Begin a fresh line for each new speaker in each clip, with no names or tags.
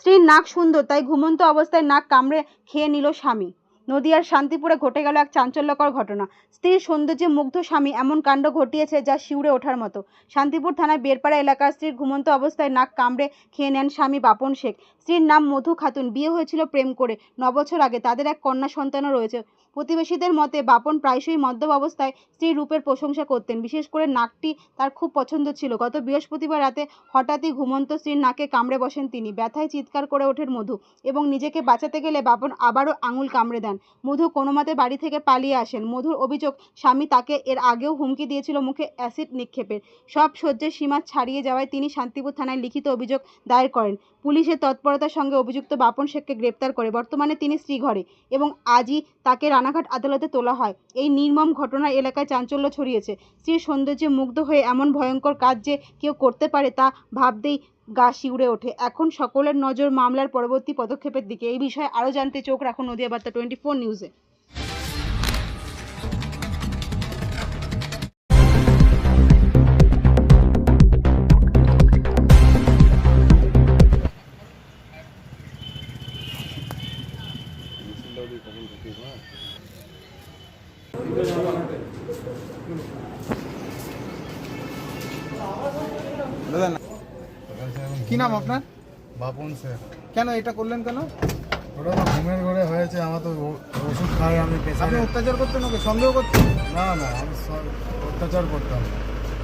স্ত্রীর নাক সুন্দর তাই ঘুমন্ত অবস্থায় নাক কামড়ে খেয়ে নিল স্বামী। নদিয়ার শান্তিপুরে ঘটে গেল এক চাঞ্চল্যকর ঘটনা। স্ত্রীর সৌন্দর্যে মুগ্ধ স্বামী এমন কাণ্ড ঘটিয়েছে যা শিউরে ওঠার মতো। শান্তিপুর থানার বেরপাড়া এলাকার স্ত্রীর ঘুমন্ত অবস্থায় নাক কামড়ে খেয়ে নেন স্বামী বাপন শেখ। স্ত্রীর নাম মধু খাতুন। বিয়ে হয়েছিল প্রেম করে 9 বছর আগে। তাদের এক কন্যা সন্তানও রয়েছে। প্রতিবেশীদের মতে বাপন প্রায়শই মদ্যপ অবস্থায় স্ত্রীর রূপের প্রশংসা করতেন। বিশেষ করে নাকটি তার খুব পছন্দ ছিল। গত বৃহস্পতিবার রাতে হঠাৎই ঘুমন্ত স্ত্রীর নাকে কামড়ে বসেন তিনি। ব্যথায় চিৎকার করে ওঠেন মধু এবং নিজেকে বাঁচাতে গেলে বাপন আবারও আঙুল কামড়ে দেন। মধু কোনোমতে বাড়ি থেকে পালিয়ে আসেন। মধুর অভিযোগ স্বামী তাকে এর আগেও হুমকি দিয়েছিল মুখে অ্যাসিড নিক্ষেপের। সব সহ্যের সীমা ছাড়িয়ে যাওয়ায় তিনি শান্তিপুর থানায় লিখিত অভিযোগ দায়ের করেন। পুলিশের তৎপরতার সঙ্গে অভিযুক্ত বাপন শেখকে গ্রেপ্তার করে। বর্তমানে তিনি শ্রীঘরে এবং আজই তাকে রানাঘাট আদালতে তোলা হয়। এই নির্মম ঘটনার এলাকায় চাঞ্চল্য ছড়িয়েছে। স্ত্রীর সৌন্দর্যে মুগ্ধ হয়ে এমন ভয়ঙ্কর কাজ যে কেউ করতে পারে তা ভাবতেই গা শিউরে ওঠে। এখন সকলের নজর মামলার পরবর্তী পদক্ষেপের দিকে। এই বিষয়ে আরও জানতে চোখ রাখুন নদিয়া বার্তা 24 নিউজে।
কি নাম আপনার?
বাপন শেখ।
কেন এটা করলেন কেন?
ওটা তো ঘুমের ঘরে হয়েছে, আমার তো ওষুধ খাই আমি
আপনি
পেছনে।
অত্যাচার করতেন ওকে? সন্দেহ করতেন?
না না, আমি অত্যাচার করতাম না।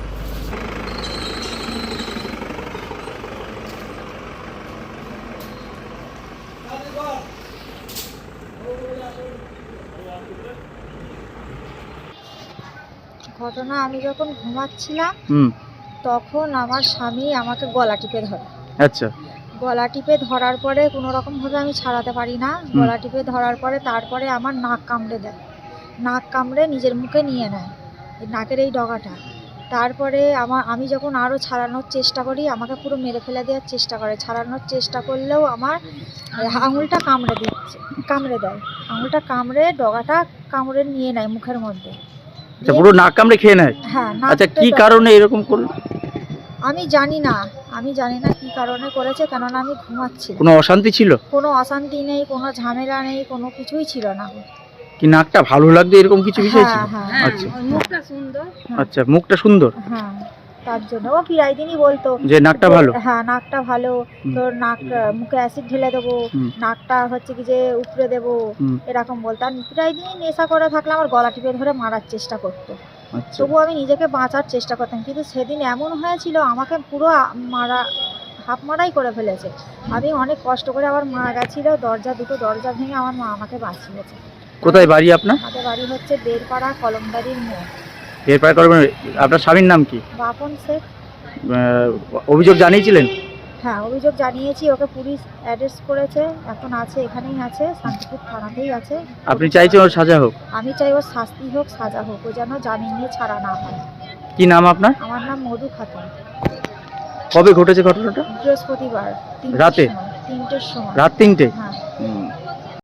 ঘটনা, আমি যখন ঘুমাচ্ছিলাম তখন আমার স্বামী আমাকে গলা টিপে ধরে।
আচ্ছা।
গলা টিপে ধরার পরে কোনো রকমভাবে আমি ছাড়াতে পারি না। গলা টিপে ধরার পরে তারপরে আমার নাক কামড়ে দেয়। নাক কামড়ে নিজের মুখে নিয়ে নেয় এই নাকের এই ডগাটা। তারপরে আমি যখন আরও ছাড়ানোর চেষ্টা করি আমাকে পুরো মেরে ফেলে দেওয়ার চেষ্টা করে। ছাড়ানোর চেষ্টা করলেও আমার আঙুলটা কামড়ে দেয়। আঙুলটা কামড়ে ডগাটা কামড়ে নিয়ে নেয় মুখের মধ্যে।
আচ্ছা, পুরো নাক কামড়ে খেয়ে নেয়?
হ্যাঁ।
আচ্ছা, কি কারণে এরকম করলো?
আমি জানি না কি কারণে করেছে, কেননা আমি ঘুমাচ্ছি।
কোনো অশান্তি ছিল?
কোনো অশান্তি নেই, কোনো ঝামেলা নেই, কোনো কিছুই ছিল না।
কি নাকটা ভালো লাগতো এরকম কিছু বিষয় ছিল?
হ্যাঁ।
আচ্ছা,
মুখটা সুন্দর।
আচ্ছা, মুখটা সুন্দর।
হ্যাঁ, তার জন্য ও প্রায় দিনই বলতো
যে নাকটা ভালো।
হ্যাঁ, নাকটা ভালো, তোর নাক মুখে অ্যাসিড ঢেলে দেবো, নাকটা হচ্ছে কি যে উপড়ে দেবো, এরকম বলতো। আর প্রায় দিনই নেশা করে থাকলে আমার গলা টিপে ধরে মারার চেষ্টা করতো। তবুও আমি নিজেকে বাঁচার চেষ্টা করতাম, কিন্তু সেদিন এমন হয়েছিল আমাকে পুরো হাফ মারাই করে ফেলেছে। আমি অনেক কষ্ট করে আবার মা গেছিল, দুটো দরজা ভেঙে আমার মা আমাকে বাঁচিয়েছে।
কোথায় বাড়ি আপনার?
আমাদের বাড়ি হচ্ছে বেরপাড়া কলমদারির মোড়।
বেরপাড়া করবেন। আপনার স্বামীর নাম কি?
বাপন শেখ।
অভিযোগ জানিয়েছিলেন?
হ্যাঁ, অভিযোগ জানিয়েছি। ওকে পুলিশ অ্যারেস্ট করেছে, এখন আছে, এখানেই আছে, শান্তিপুর থানাতেই আছে।
আপনি চাইছেন ওর সাজা হোক?
আমি চাই ওর শাস্তি হোক, সাজা হোক, ও যেন জামিন নিয়ে ছাড়া না হয়।
কি নাম আপনার?
আমার নাম মধু খাতুন।
কবে ঘটেছে ঘটনাটা?
বৃহস্পতিবার
রাতে?
3টের সময়।
রাত 3টে?
হ্যাঁ।